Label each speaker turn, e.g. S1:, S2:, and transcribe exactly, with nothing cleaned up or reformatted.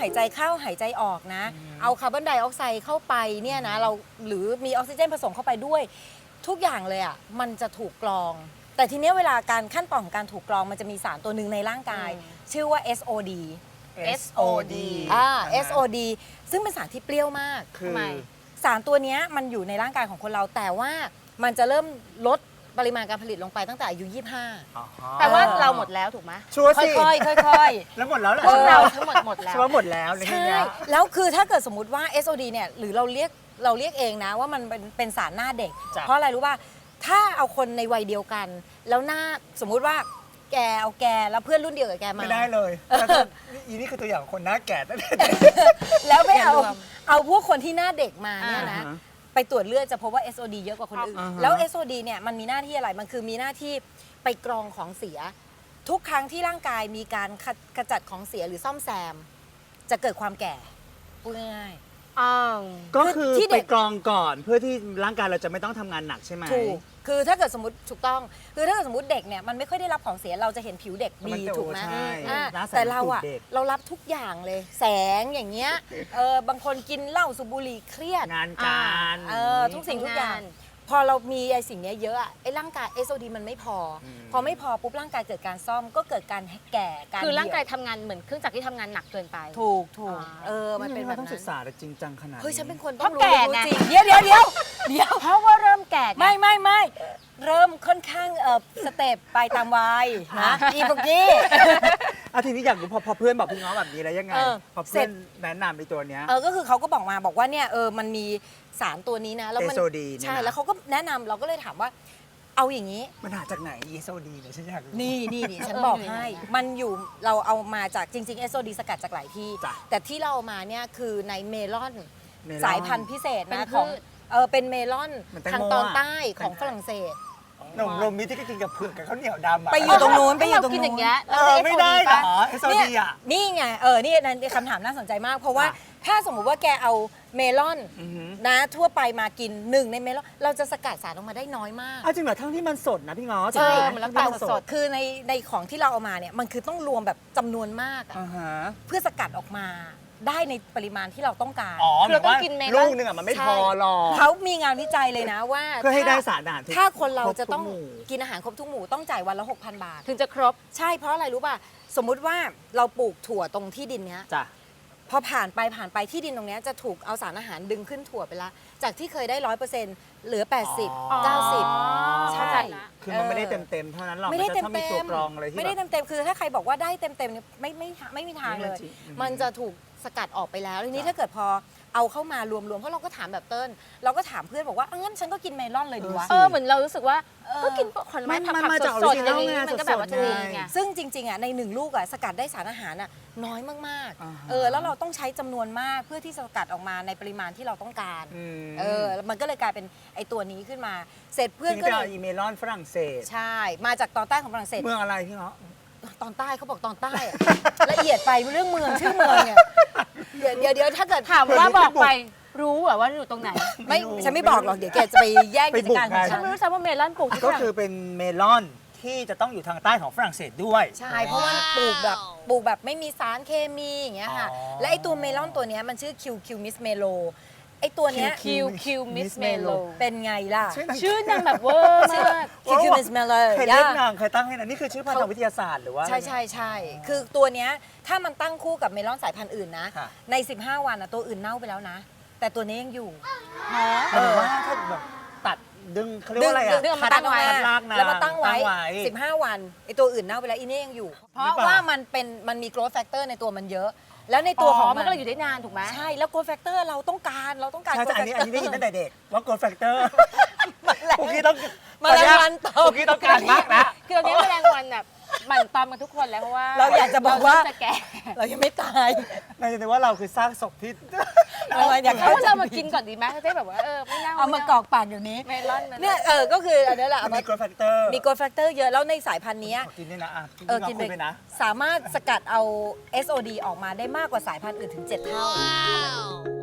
S1: ายใจเข้าหายใจออกนะเอาคาร์บอนไดออกไซด์เข้าไปเนี่ยนะเราหรือมีออกซิเจนผสมเข้าไปด้วยทุกอย่างเลยอ่ะมันจะถูกกรองแต่ทีนี้เวลาการขั้นตอนของการถูกกรองมันจะมีสารตัวหนึ่งในร่างกาย ชื่อว่า เอส โอ ดี
S2: เอส โอ ดี
S1: อ่า เอส โอ ดี ซึ่งเป็นสารที่เปรี้ยวมาก
S2: คือ
S1: สารตัวนี้มันอยู่ในร่างกายของคนเราแต่ว่ามันจะเริ่มลดปริมาณการผลิตลงไปตั้งแต่อายุยี่สิบห้า
S3: แต่ว่าเราหมดแล้วถูกไหม
S2: ชัวร์
S1: ค่
S2: สิ
S1: อยๆค่อยๆ
S2: แล้วหมดแล้วเหรอ
S3: พวกเราทั้งหมดหมดแล้ว
S2: ชัวร์หมดแล้วในที่
S1: ใช่
S2: เนี้ย
S1: แล้วคือถ้าเกิดสมมติว่า เอส โอ ดี เนี่ยหรือเราเรียกเราเรียกเองนะว่ามันเป็นเป็นสารหน้าเด็ก
S2: จ้ะ
S1: เพราะอะไรรู้ป่ะถ้าเอาคนในวัยเดียวกัน แล้วหน้าสมมุติว่าแกเอาแกแล้วเพื่อนรุ่นเดียวกับแกมา
S2: ไม่ได้เลยแล้วก็อีนี่คือตัวอย่างคนหน้าแก่ตั้งแต่เด็ก
S1: แล้วไปเอา
S3: อย่ารวม
S1: เอาพวกคนที่หน้าเด็กมาเนี่ยนะ
S2: อ่าฮะ
S1: ไปตรวจเลือดจะพบว่า เอส โอ ดี เยอะกว่าคนอื่น
S2: อ่าฮะ
S1: แล้ว เอส โอ ดี เนี่ยมันมีหน้าที่อะไร มันคือมีหน้าที่ไปกรองของเสีย ทุกครั้งที่ร่างกายมีการขขจัดของเสียหรือซ่อมแซม จะเกิดความแก่พูดง่าย
S3: อ้าว
S2: ก็คือ
S1: ที่เด็
S2: ไป
S1: ก
S2: กรองก่อนเพื่อที่ร่างกายเราจะไม่ต้องทำงานหนักใช่ไหม
S1: ๆถูกคือถ้าเกิดสมมติถูกต้อง คือถ้าเกิดสมมติเด็กเนี่ยมันไม่ค่อยได้รับของเสียเราจะเห็นผิวเด็ก
S2: มัน
S1: ดี
S2: จะ
S1: ถูกไหม
S2: ใช่
S1: อ่า
S2: หน้าใส
S1: แต่เราอะ
S2: เหมือนเด็ก
S1: เรารับทุกอย่างเลย แสงอย่างเงี้ยเออบางคนกินเหล้าสูบบุหรี่เครียด
S2: งานการ
S1: เออทุกสิ่งทุกอย่าง พอเรามีไอ้สิ่งเนี้ยเยอะอะไอ้ร่างกาย เอส โอ ดี มันไม่พออ
S2: ม
S1: พอไม่พอปุ๊บร่างกายเกิดการซ่อมก็เกิดการแก่การ
S3: คือร่างกาย
S1: เหี่
S3: ทำงานเหมือนเครื่องจักรที่ทำงานหนักเกินไป
S1: วถูกถูก
S3: อ่า
S1: เออมันเป็นแบบ
S2: ต้อง
S1: นั้
S2: ศึก
S1: น
S2: ษาแต่จริงจังขนาด
S1: เฮ้ยฉันเป็นคน
S3: เพ
S1: ต้อง
S3: ราะ
S1: รู้
S3: แก่
S1: รู้
S3: ไง
S1: จริงเดี๋ยวเดี๋ยวเดี๋ยวเดี๋ยว
S3: เพราะว่าเริ่มแก่ไง
S1: ไม่ไม่ไม่เริ่มค่อนข้างเออสเต็ปไปตามวัยนะอีพวกกี้
S2: อ่ะทีนี้อยากรู้พอพอเพื่อนบอกพี่ง้อแบบนี้แล้วยังไง
S1: เออ
S2: พอ
S1: เสร็
S2: เพื่อ
S1: จ
S2: นแนะนำไอ้ตัวเนี้ย
S1: เออก็คือเขาก็บอกมาบอกว่าเนี่ยเออมันมีสารตัวนี้นะแล้วมั
S2: เอส โอ ดี เนี่ยนะ
S1: ใช่แล้วเขาก็แนะนำเราก็เลยถามว่าเอาอย่างนี้
S2: มันหาจากไหน เอส โอ ดีเนี่ยฉันอยากรู้
S1: นี่นี่นี่ฉันบอกให้ มันอยู่เราเอามาจากจริงๆ เอส โอ ดี สกัดจากหลายที่
S2: จ้ะ
S1: แต่ที่เราเอามาเนี่ยคือในเมลอน
S2: เมลอน
S1: สายพันธุ์พิเศษ
S3: เป็
S1: นะ
S3: น
S1: ของ
S3: พืช
S1: เออเป็นเมลอน
S2: มันแตง
S1: ทาง
S2: โม
S1: ตอน
S2: อะ
S1: ใต้ของฝรั่งเศส
S2: นมนมมิตรที่ก็กินกับเผือกกับข้าวเหนียวดำอะ
S1: ไปอยู่ตรงนู้นไปอยู่
S3: เรา
S1: ตรง
S3: กิน
S1: นู้
S3: อย่างเงี้ย
S2: เอ
S3: เรา
S2: อ
S3: จะ
S2: ไม่ได้เหรอ เอส โอ
S1: เนี่ย
S2: ดี อ่ะ
S1: นี่ไงเออนี่นั่นคำถามน่าสนใจมาก เพราะว่า
S2: อ่ะ
S1: ถ้าสมมุติว่าแกเอาเมลอน
S2: อือหือ
S1: นะทั่วไปมากินหนึ่งในเมลอนเราจะสกัดสารออกมาได้น้อยมาก
S2: อ้าวจริงเหรอทั้งที่มันสดนะพี่ง้อ
S1: ใช่
S2: จริงไห
S3: มันแล้ว
S1: แต่
S3: แต่
S1: สดคือในในของที่เราเอามาเนี่ยมันคือต้องรวมแบบจำนวนมากอะ
S2: อ่าฮะ
S1: เพื่อสกัดออกมาได้ในปริมาณที่เราต้องการ
S2: อ๋อ
S3: คือเราต้องกินเมลอน
S2: ลูกหนึงอ่ะมันไม่พอหรอก
S1: เขามีงานวิจัยเลยนะว่า
S2: เพื่อให้ได้
S1: ถ้
S2: สารอาหารทุก
S1: ถ้าคนเราจะ
S2: ครบทุก
S1: ต้อง
S2: หมู่
S1: กินอาหารครบทุกหมู่ต้องจ่ายวันละ หกพัน บาท
S3: ถึงจะครบ
S1: ใช่เพราะอะไรรู้ป่ะ สมมุติว่าเราปลูกถั่วตรงที่ดินเนี้ย
S2: จ้ะ
S1: พอผ่านไปผ่านไปที่ดินตรงเนี้ยจะถูกเอาสารอาหารดึงขึ้นถั่วไปละ จากที่เคยได้ร้อยเปอร์เซ็นต์เหลือ แปดสิบ
S2: อ๋อ
S1: เก้าสิบ ใช่
S3: เข้าใจละ
S2: คือมันไม่ได้เต็มเต็มๆเท่านั้นหรอก
S1: ไม่ได้
S2: น
S1: เต็
S2: จะ
S1: ม
S2: ต้องมี
S1: เต็
S2: ตัว
S1: ม
S2: กรองอะไรที่
S1: ไม่ได้
S2: แบบ
S1: เต็มเต็มคือถ้าใครบอกว่าได้เต็มเต็มเนี่ยไม่ไม่ไม่มีทางเลย
S2: ไม่จริงอืม
S1: มันจะถูกสกัดออกไปแล้วทีนี้
S2: จ้ะ
S1: ถ้าเกิดพอเอาเข้ามารวมๆเพราะเราก็ถามแบบเติ้ลเราก็ถามเพื่อนบอกว่าอ่ะงั้นฉันก็กินเมลอนเลยดีวะ
S3: เออเหมือนเรารู้สึกว่า
S1: เออ
S3: ก็กินผลไม้
S2: มัน
S3: ผัก
S2: มัน
S3: ผั
S2: มาก จาก
S3: สดๆอย่าง
S2: original
S3: นี้
S2: ไง
S3: มันก็แบบว่า
S2: สดๆ
S3: ถูก
S2: ไง
S3: ไง
S1: ซึ่งจริงๆอ่ะในหนึ่งลูกอ่ะสกัดได้สารอาหารอ่ะน้อยมาก
S2: อ่าฮะ
S1: ๆ เออแล้วเราต้องใช้จำนวนมากเพื่อที่จะสกัดออกมาในปริมาณที่เราต้องการ
S2: อืม
S1: เออมันก็เลยกลายเป็นไอตัวนี้ขึ้นมา เสร็จเพื่อน
S2: ซึ่ง
S1: ก็
S2: ไป
S1: เล
S2: เอา
S1: ย
S2: อีเมลอนฝรั่งเศส
S1: ใช่ มาจากตอนใต้ของฝรั่งเศส
S2: เมืองอะไรพี่ง้อ
S1: ตอนใต้เขาบอกตอนใต้อะ ละเอียดไปเรื่องเมืองชื่อเมืองเนี่ยเดี๋ยวเดี๋ยวเดี๋ยวถ้าเกิด
S3: ถามว่าบอกไปรู้เหรอว่าอยู่ตรงไหน
S1: ไม่ฉันไม่บอกหรอกเดี๋ยวแกจะไปแย่งกิจการของ
S3: ฉั
S1: ฉั
S3: น
S1: น
S3: ไม่รู้ซ้ำว่าเมลอนปลูกที่
S2: ก็
S3: ฝรั่ง
S2: คือเป็นเมลอนที่จะต้องอยู่ทางใต้ของฝรั่งเศสด้วย
S1: ใช่ เพราะว่าปลูกแบบปลูกแบบไม่มีสารเคมีอย่างเงี้ยค่ะ
S2: อ๋อ
S1: และไอตัวเมลอนตัวเนี้ยมันชื่อคิวคิวมิสเมโลไอตัวเนี้ย
S3: คิวคิวมิสเมโล
S1: เป็นไงล่ะ
S3: ชื่อนางแบบเวอร์มาก
S1: คิวคิวมิสเมโล
S2: ใครเล่นนางใครตั้งให้นะนี่คือชื่อพันธุ์วิทยาศาสตร์หรือว่า
S1: ใช่ใช่ใช่คือตัวเนี้ยถ้ามันตั้งคู่กับเมลอนสายพันธุ์อื่นนะ
S2: ค่ะ
S1: ใน สิบห้า วันอะตัวอื่นเน่าไปแล้วนะ แต่ตัวนี้ยังอยู่
S2: เออว่าถ้าแบบตัดดึงเขาเรียกว่าอะไรอ่ะ
S1: ดึงมาตั้งไว้
S2: คัดลากนาง
S1: แล้วมาตั้งไว้
S2: ไว้
S1: สิบห้า วันไอตัวอื่นเน่าไปแล้วอีนี่ยังอยู่ เพ
S2: หรือ
S1: ราะ
S2: เปล่า
S1: ว่ามันเป็นมันมี growth factor ในตัวมันเยอะ แล้วในตัวของ
S3: มันก็เลยอยู่ได้นานถูกไหม
S1: ใช่แล้ว growth factor เราต้องการเราต้องการ
S2: ใช่
S1: growth
S2: ใช่อันนี้อันนี้ได้ยินตั้งแต่เด็กว่า growth factor
S1: มันแหละ
S2: พวกกี้ต้อง
S1: แมลงวันตอ
S2: พ
S1: ม
S2: วกกี้ต้องการมากนะ
S3: คือตอนนี้แมลงวันแบบหมั่นตอมกันทุกคนแล้วเพราะว่า
S1: เราอยากจะบอกว่า
S3: เรจะแก่
S1: เรายังไม่ตาย
S2: นายจะนึกว่าเราคือสร้างศพที่
S1: เราอยาก
S3: เพราะว่าเรามากินก่อนดีไหมจะได้แบบว่าเออไม่เน่า
S1: เอามากรอกปากอยู่นี้
S3: เมลอนมัน
S1: เนี่ยเออก็คืออันนี้แหละเอา
S2: มี
S1: มา
S2: growth factor
S1: มี growth factor เยอะแล้วในสายพันธุ์เนี้ย
S2: ขอกินด้วยนะอ่ะ
S1: เออ
S2: กิ
S1: กิ
S2: น
S1: น
S2: ไป
S1: ไป
S2: นะ
S1: สามารถสกัดเอา เอส โอ ดี ออกมาได้มากกว่าสายพันธุ์อื่นถึง เจ็ด เท่า